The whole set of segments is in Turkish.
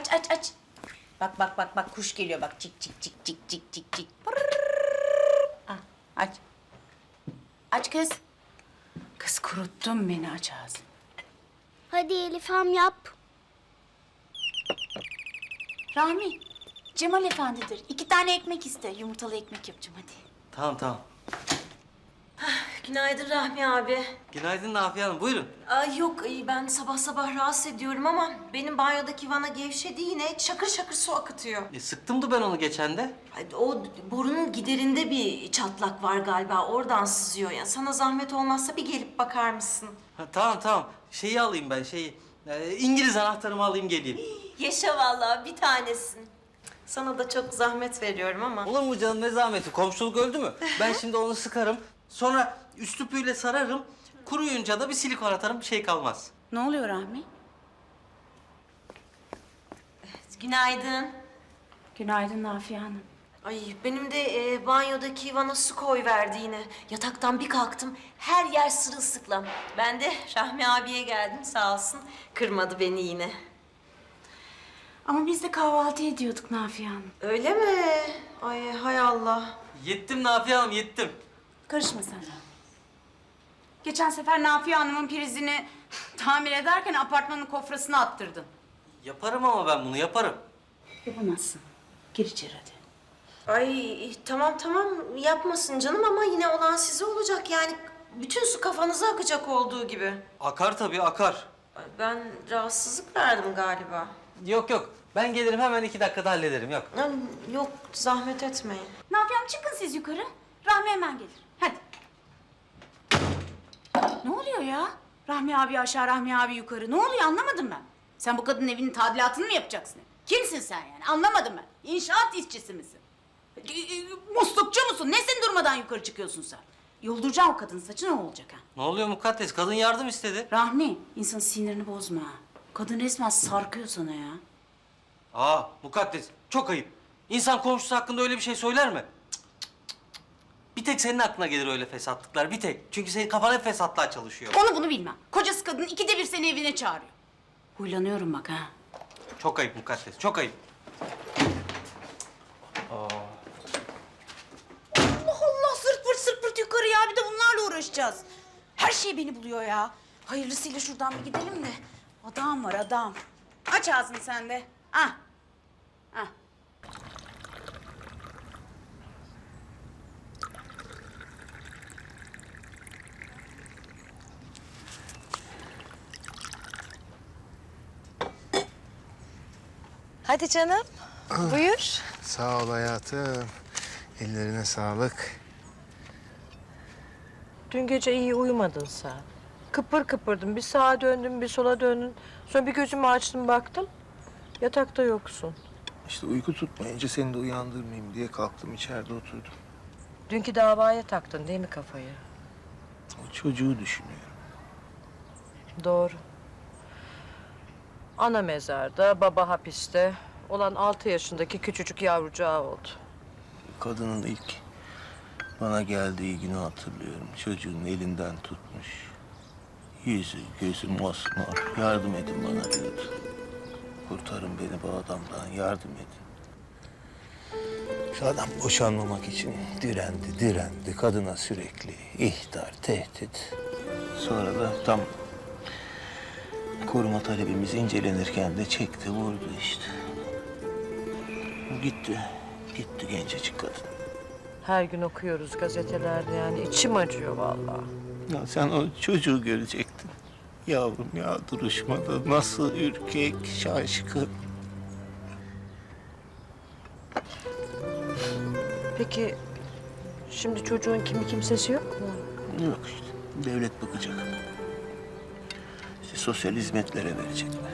aç. Bak kuş geliyor bak. Cik cik cik cik cik cik cik. Ah, aç. Aç kız. Kız kuruttun beni, aç ağzını. Hadi Elif ham yap. Rahmi, Cemal Efendidir. 2 tane ekmek iste. Yumurtalı ekmek yapacağım hadi. Tamam. Günaydın Rahmi abi. Günaydın Nafiye Hanım, buyurun. Ay yok ben sabah sabah rahatsız ediyorum ama benim banyodaki vana gevşedi yine şakır şakır su akıtıyor. Sıktımdı ben onu geçen de. Ay, o borunun giderinde bir çatlak var galiba oradan sızıyor ya. Sana zahmet olmazsa bir gelip bakar mısın? Ha, tamam. Şeyi alayım ben, İngiliz anahtarımı alayım geleyim. Yaşa vallahi bir tanesin. Sana da çok zahmet veriyorum ama. Olur mu canım, ne zahmeti? Komşuluk öldü mü? Ben şimdi onu sıkarım. Sonra üst tüpüyle sararım. Kuruyunca da bir silikon atarım, bir şey kalmaz. Ne oluyor Rahmi? Günaydın. Günaydın Nafiye Hanım. Ay benim de banyodaki vana su koyverdi yine. Yataktan bir kalktım her yer sırılsıklam. Ben de Rahmi abiye geldim sağ olsun. Kırmadı beni yine. Ama biz de kahvaltı ediyorduk Nafiye Hanım. Öyle mi? Ay hay Allah. Yettim Nafiye Hanım, yettim. Karışma sen Rahmi. Geçen sefer Nafiye Hanım'ın prizini tamir ederken apartmanın kofrasına attırdın. Yaparım ama ben bunu, yaparım. Yapamazsın. Gir içeri hadi. Ay tamam yapmasın canım ama yine olan size olacak yani. Bütün su kafanıza akacak olduğu gibi. Akar tabii, akar. Ay, ben rahatsızlık verdim galiba. Yok. Ben gelirim, hemen 2 dakikada hallederim, yok. Ay, yok zahmet etmeyin. Nafiye Hanım çıkın siz yukarı. Rahmi hemen gelir. Hadi. Ne oluyor ya? Rahmi abi aşağı, Rahmi abi yukarı. Ne oluyor anlamadım ben. Sen bu kadının evinin tadilatını mı yapacaksın? Kimsin sen yani? Anlamadım ben. İnşaat işçisi misin? Muslukçu musun? Nesin durmadan yukarı çıkıyorsun sen? Yolduracağım o kadının saçı, ne olacak ha? Ne oluyor mukaddes? Kadın yardım istedi. Rahmi, insanın sinirini bozma. Kadın resmen sarkıyor sana ya. Mukaddes, çok ayıp. İnsan komşusu hakkında öyle bir şey söyler mi? Cık. Bir tek senin aklına gelir öyle fesatlıklar, bir tek. Çünkü senin kafan hep fesatlığa çalışıyor. Onu bunu bilmem. Kocası kadın 2'de 1 seni evine çağırıyor. Huylanıyorum bak ha. Çok ayıp mukaddes, çok ayıp. Allah sırt pırt yukarı ya. Bir de bunlarla uğraşacağız. Her şey beni buluyor ya. Hayırlısıyla şuradan bir gidelim de. Adam var adam. Aç ağzını sen de. Ah. Ah. Hadi canım. Buyur. Sağ ol hayatım. Ellerine sağlık. Dün gece iyi uyumadın sen. Kıpır kıpırdın. Bir sağa döndün, bir sola döndün. Sonra bir gözümü açtım baktım. Yatakta yoksun. İşte uyku tutmayınca seni de uyandırmayayım diye kalktım, içeride oturdum. Dünkü davaya taktın değil mi kafayı? O çocuğu düşünüyorum. Doğru. Ana mezarda, baba hapiste. Olan 6 yaşındaki küçücük yavrucağı oldu. Kadının ilk bana geldiği günü hatırlıyorum. Çocuğun elinden tutmuş. Yüzü, gözü mosmor. Yardım edin bana diyordu. Kurtarın beni bu adamdan, yardım edin. Şu adam boşanmamak için direndi. Kadına sürekli ihtar, tehdit. Sonra da tam koruma talebimiz incelenirken de çekti, vurdu işte. Gitti gencecik kadın. Her gün okuyoruz gazetelerde yani. İçim acıyor vallahi. Ya sen o çocuğu görecektin. Yavrum ya, duruşmada nasıl ürkek, şaşkın. Peki şimdi çocuğun kimi kimsesi yok mu? Yok işte, devlet bakacak. İşte sosyal hizmetlere verecekler.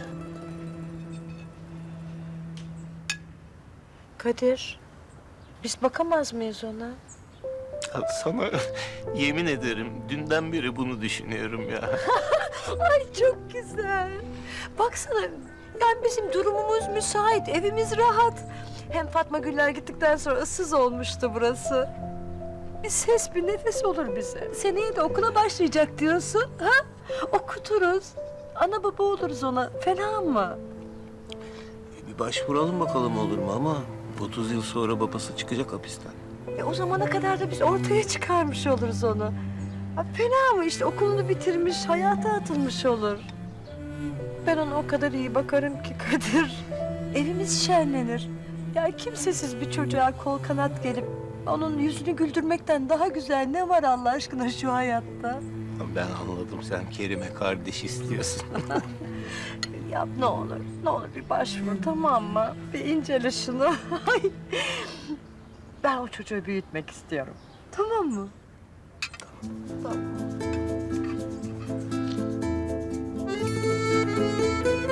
Kadir, biz bakamaz mıyız ona? Ya sana yemin ederim dünden beri bunu düşünüyorum ya. Ay çok güzel. Baksana, yani bizim durumumuz müsait, evimiz rahat. Hem Fatma Güller gittikten sonra ıssız olmuştu burası. Bir ses, bir nefes olur bize. Seneye de okula başlayacak diyorsun, ha? Okuturuz. Ana baba oluruz ona, fena mı? Bir başvuralım bakalım olur mu ama 30 yıl sonra babası çıkacak hapisten. O zamana kadar da biz ortaya çıkarmış oluruz onu. Ha, fena mı işte okulunu bitirmiş, hayata atılmış olur. Ben ona o kadar iyi bakarım ki Kadir. Evimiz şenlenir. Ya kimsesiz bir çocuğa kol kanat gelip onun yüzünü güldürmekten daha güzel ne var Allah aşkına şu hayatta? Ben anladım, sen Kerim'e kardeş istiyorsun. Yap ne olur, ne olur bir başvur tamam mı? Bir incele şunu. Ay. Ben o çocuğu büyütmek istiyorum. Tamam mı? Tamam.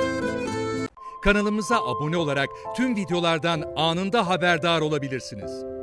Kanalımıza abone olarak tüm videolardan anında haberdar olabilirsiniz.